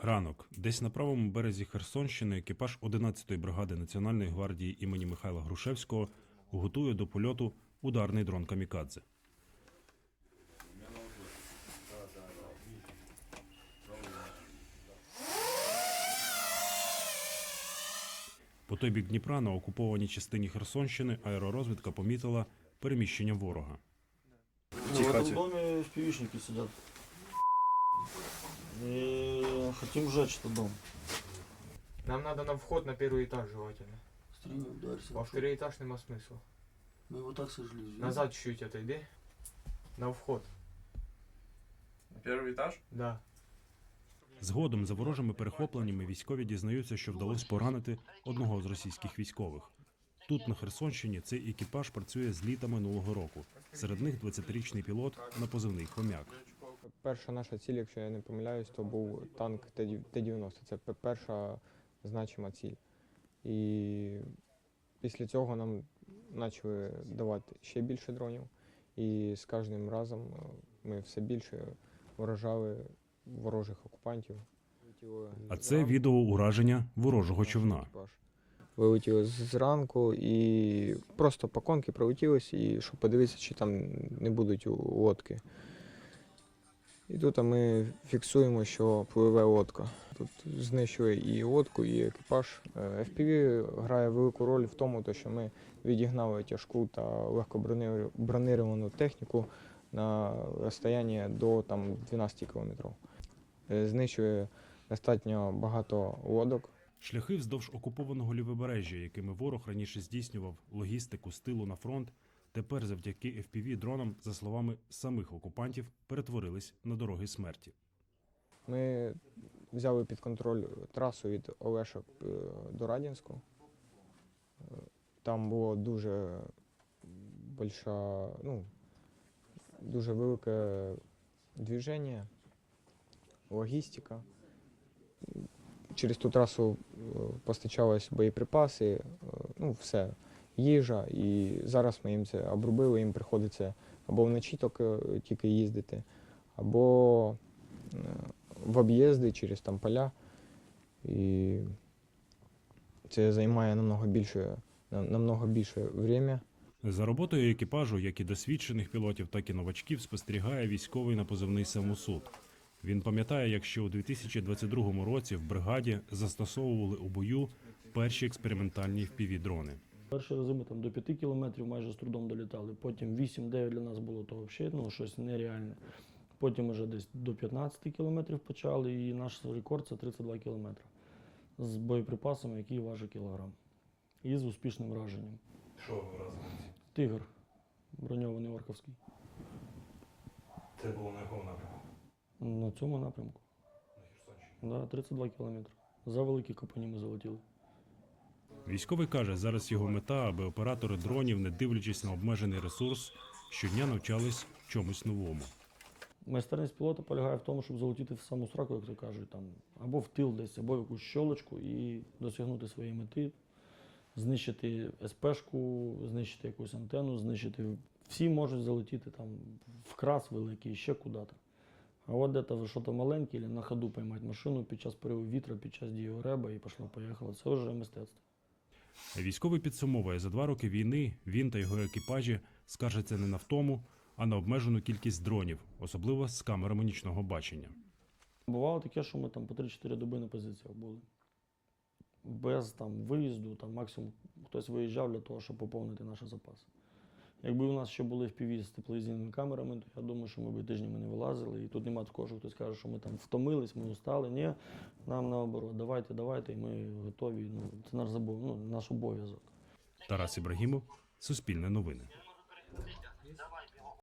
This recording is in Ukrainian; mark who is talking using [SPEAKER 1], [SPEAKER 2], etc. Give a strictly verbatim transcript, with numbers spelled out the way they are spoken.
[SPEAKER 1] Ранок. Десь на правому березі Херсонщини екіпаж одинадцятої бригади Національної гвардії імені Михайла Грушевського готує до польоту ударний дрон «Камікадзе». По той бік Дніпра на окупованій частині Херсонщини аеророзвідка помітила переміщення ворога.
[SPEAKER 2] В этом доме впивишники сидят. И хотим сжечь этот дом.
[SPEAKER 3] Нам надо на вход на первый этаж желательно.
[SPEAKER 2] Стреляй, ударься.
[SPEAKER 3] Во второй этаж нема смысла.
[SPEAKER 2] Мы его так сожгли.
[SPEAKER 3] Назад чуть-чуть отойди. На вход.
[SPEAKER 4] На перший етаж?
[SPEAKER 3] Да.
[SPEAKER 1] Згодом за ворожими перехопленнями військові дізнаються, що вдалося поранити одного з російських військових. Тут, на Херсонщині, цей екіпаж працює з літа минулого року. Серед них двадцятирічний пілот на позивний «Хомяк».
[SPEAKER 5] Перша наша ціль, якщо я не помиляюсь, то був танк Т дев'яносто. Це перша значима ціль. І після цього нам почали давати ще більше дронів. І з кожним разом ми все більше вражали ворожих окупантів.
[SPEAKER 1] А це відео ураження ворожого човна.
[SPEAKER 5] Вилетіли зранку і просто по конки прилетілися, і щоб подивитися, чи там не будуть лодки. І тут ми фіксуємо, що пливе лодка. Тут знищили і лодку, і екіпаж. еф пі ві грає велику роль в тому, що ми відігнали тяжку та легко бронировану техніку на розстояння до там, дванадцять кілометрів. Знищує достатньо багато лодок.
[SPEAKER 1] Шляхи вздовж окупованого лівобережжя, якими ворог раніше здійснював логістику з тилу на фронт, тепер завдяки еф пі ві-дронам, за словами самих окупантів, перетворились на дороги смерті.
[SPEAKER 5] Ми взяли під контроль трасу від Олешок до Радянську. Там було дуже больша, ну, дуже велике движення, логістика. Через ту трасу постачались боєприпаси, ну, все, їжа. І зараз ми їм це обробили, їм приходиться або вночі тільки їздити, або в об'їзди через там поля. І це займає намного більше, намного більше время.
[SPEAKER 1] За роботою екіпажу, як і досвідчених пілотів, так і новачків, спостерігає військовий на позивний «Самосуд». Він пам'ятає, як ще у дві тисячі двадцять другому році в бригаді застосовували у бою перші експериментальні еф пі ві-дрони.
[SPEAKER 2] Перші рази ми там до п'яти кілометрів майже з трудом долітали. Потім вісім-дев'ять для нас було то взагалі, ну, щось нереальне. Потім вже десь до п'ятнадцяти кілометрів почали, і наш рекорд – це тридцять два кілометри. З боєприпасами, які важать кілограм. І з успішним враженням.
[SPEAKER 4] Що ви разом?
[SPEAKER 2] Тигр, броньований орковський.
[SPEAKER 4] Це було на якому напрямку?
[SPEAKER 2] На цьому напрямку.
[SPEAKER 4] На Херсонщині?
[SPEAKER 2] Да, тридцять два кілометри. За великі копані ми залетіли.
[SPEAKER 1] Військовий каже, зараз його мета, аби оператори дронів, не дивлячись на обмежений ресурс, щодня навчались чомусь новому.
[SPEAKER 2] Майстерність пілота полягає в тому, щоб залетіти в саму сраку, як то кажуть, там, або в тил десь, або в якусь щолочку і досягнути своєї мети, знищити ес пешку, знищити якусь антенну, знищити. Всі можуть залетіти там в крас великий, ще куди-то. А от де-то щось маленьке, або на ходу поймати машину під час пориву вітра, під час дії реба і пішло-поїхало. Це вже мистецтво.
[SPEAKER 1] Військовий підсумовує, за два роки війни він та його екіпажі скаржаться не на втому, а на обмежену кількість дронів, особливо з камерами нічного бачення.
[SPEAKER 2] Бувало таке, що ми там по три-чотири доби на позиціях були. Без там виїзду, там максимум хтось виїжджав для того, щоб поповнити наш запас. Якби у нас ще були еф пі ві з тепловізійними камерами, то я думаю, що ми б тижнями не вилазили. І тут немає такого, що хтось каже, що ми там втомились, ми устали. Ні, нам наоборот, давайте, давайте, і ми готові. Ну, це наш забов, ну, наш обов'язок.
[SPEAKER 1] Тарас Ібрагімов, Суспільне новини.